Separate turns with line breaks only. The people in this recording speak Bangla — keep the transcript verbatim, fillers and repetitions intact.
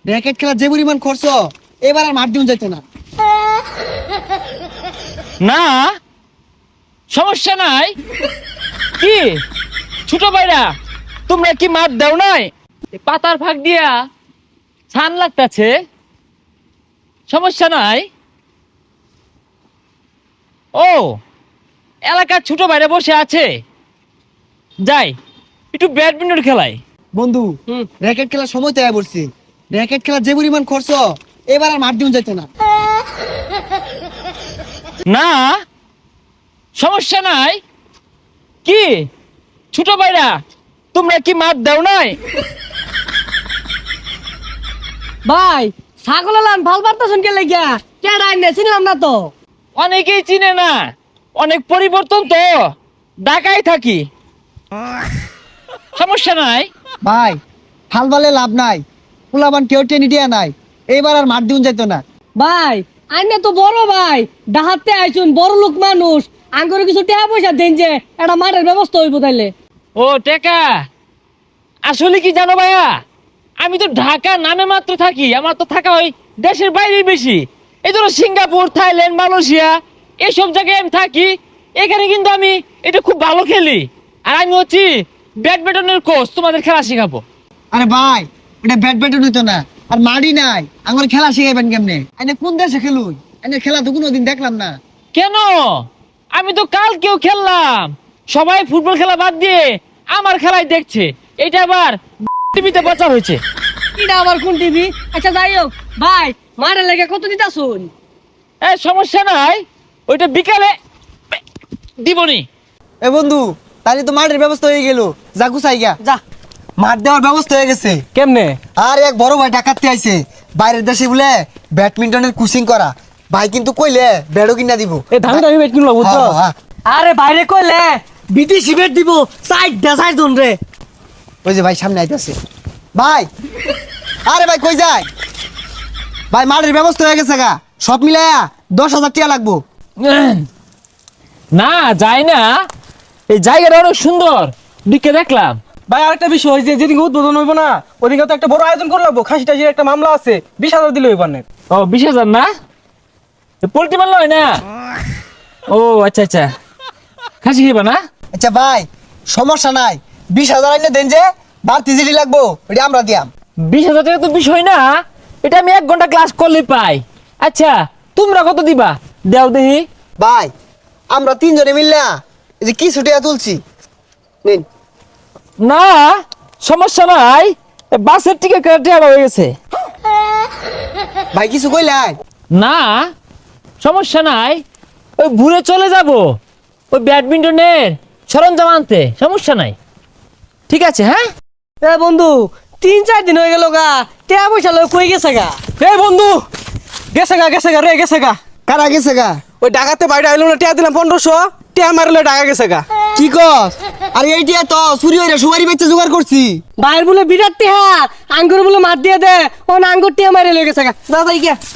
র্যাকেট খেলা যে পরিমাণ খরচ, এবার আর মাঠ দিন যাইতো না।
না সমস্যা নাই। কি ছোট ভাইরা, তোমরা কি মাঠ দাও নাই? এই পাতার ফাঁক দিয়া ছান লাগতেছে, সমস্যা নাই। ও এলাকার ছোট ভাইরা বসে আছে, যাই একটু ব্যাডমিন্টন খেলাই।
বন্ধু, র্যাকেট খেলার সময় তো পড়ছি। র্যাকেট খেলা যে পরিমাণ খরচ, এবার আর মাঠ দিন যাইতো না।
না সমস্যা নাই। কি ছোট ভাইরা, তোমরা কি মাঠ দাও নাই?
ভাই ছাগল লান ভাল পারতাছেন কে লাগিয়া কে ডাইনে চিনলাম না তো।
অনেকেই চিনে না, অনেক পরিবর্তন তো, ঢাকায় থাকি, সমস্যা নাই।
ভাই হাল বালে লাভ নাই, পোলাবান কেউ টেনে দিয়া নাই, এবার আর মাঠ দিন যাইতো না।
ভাই আইনে তো বড় ভাই, ডাহাতে আইছুন বড় লোক মানুষ, আঙ্গুরে কিছু টাকা পয়সা দেন যে একটা মাঠের ব্যবস্থা হইব তাইলে।
ও টেকা, আসলে কি জানো ভাইয়া, আমি তো ঢাকা নামে মাত্র থাকি, আমার তো থাকা হয় দেশের বাইরে বেশি। এই ধরো সিঙ্গাপুর, থাইল্যান্ড, মালয়েশিয়া এইসব জায়গায় আমি থাকি। এখানে কিন্তু আমি এটা খুব ভালো খেলি, আর আমি হচ্ছি ব্যাডমিন্টনের কোচ, তোমাদের খেলা শেখাবো।
আরে ভাই, ওটা ব্যাডমিন্টন হইতো না, আর মাঠই নাই, আমার খেলা শিখাইবেন কেমনে? এনে কোন দেশে খেলুন? এনে খেলা তো কোনোদিন দেখলাম না।
কেন? আমি তো কালকেও খেললাম, সবাই ফুটবল খেলা বাদ দিয়ে আমার খেলাই দেখছে। এটা আবার টিভিতে প্রচার হয়েছে।
এটা আবার কোন টিভি? আচ্ছা যাই হোক ভাই, মাঠের লেগে কত দিতাছুন?
এ সমস্যা নাই, ওইটা বিকালে দিবনি।
এ বন্ধু, তাহলে তো মাঠের ব্যবস্থা হয়ে গেল, যা গুছাই গা।
যা
মাঠ দেওয়ার ব্যবস্থা হয়ে গেছে।
কেমনে?
আর এক বড় ভাই ডাকাতে আইছে, বাইরের দেশে বলে ব্যাডমিন্টনের কোচিং করা। ভাই কিন্তু কইলে ব্যাডও কিনা দিব।
এ ধান দাবি বেট কিনলো বুঝছো?
হ্যাঁ, হ্যাঁ।
আরে বাইরে কইলে বিদেশি বেট দিব, সাইড দা সাইড দন রে।
ওই যে ভাই সামনে আইতাছে। ভাই, আরে ভাই কই যায়? ভাই মাঠের ব্যবস্থা হয়ে গেছে গা, সব মিলায়া দশ হাজার টাকা লাগবো।
না যায় না, এই জায়গাটা অনেক সুন্দর, দিকে দেখলাম।
ভাই আরেকটা বিষয়, যে যেদিন উদ্বোধন হইব না ওদিকে তো একটা বড় আয়োজন করে লাগবো। খাসি টাসির একটা মামলা আছে, বিশ হাজার দিলে হইব না।
ও বিশ হাজার না, পোল্ট্রি মারল হয় না? ও আচ্ছা আচ্ছা, খাসি খেবা না?
আচ্ছা ভাই, সমস্যা নাই, বিশ হাজার আইনে দেন, যে বাড়তি জিডি লাগবো ওইটা আমরা দিয়াম।
বিশ হাজার টাকা তো বিষয় না, এটা আমি এক ঘন্টা ক্লাস করলে পাই। আচ্ছা তোমরা কত দিবা দেও দেখি।
ভাই আমরা তিনজনে মিললা এই যে কিছু টাকা তুলছি, নিন।
না সমস্যা নাই, এ বাসের টিকিট কেটে হয়ে গেছে।
ভাই কিছু কইলাই?
না সমস্যা নাই, ওই ঘুরে চলে যাব ওই ব্যাডমিন্টনের সরঞ্জাম আনতে, সমস্যা নাই। ঠিক আছে হ্যাঁ।
এ বন্ধু, তিন চার দিন হয়ে গেল গা, টাকা পয়সা লয় কই গেছে গা?
এ বন্ধু, গেছে গা গেছে গা রে গেছে গা।
কারা গেছে গা?
ওই ডাকাতে বাইরে আইলো না, টিয়া দিলাম পনেরোশো, টিয়া মারলে ডাকা গেছে গা।
কি কস? আরে এই টিয়া তো চুরি হইরা সুপারি বেচে জোগাড় করছি।
বাইর বলে বিরাট টিহা, আঙ্গুর বলে মার দিয়ে দে, ও আঙ্গুর টিহা মারে লয়ে গেছে গা। যা যাই গিয়া।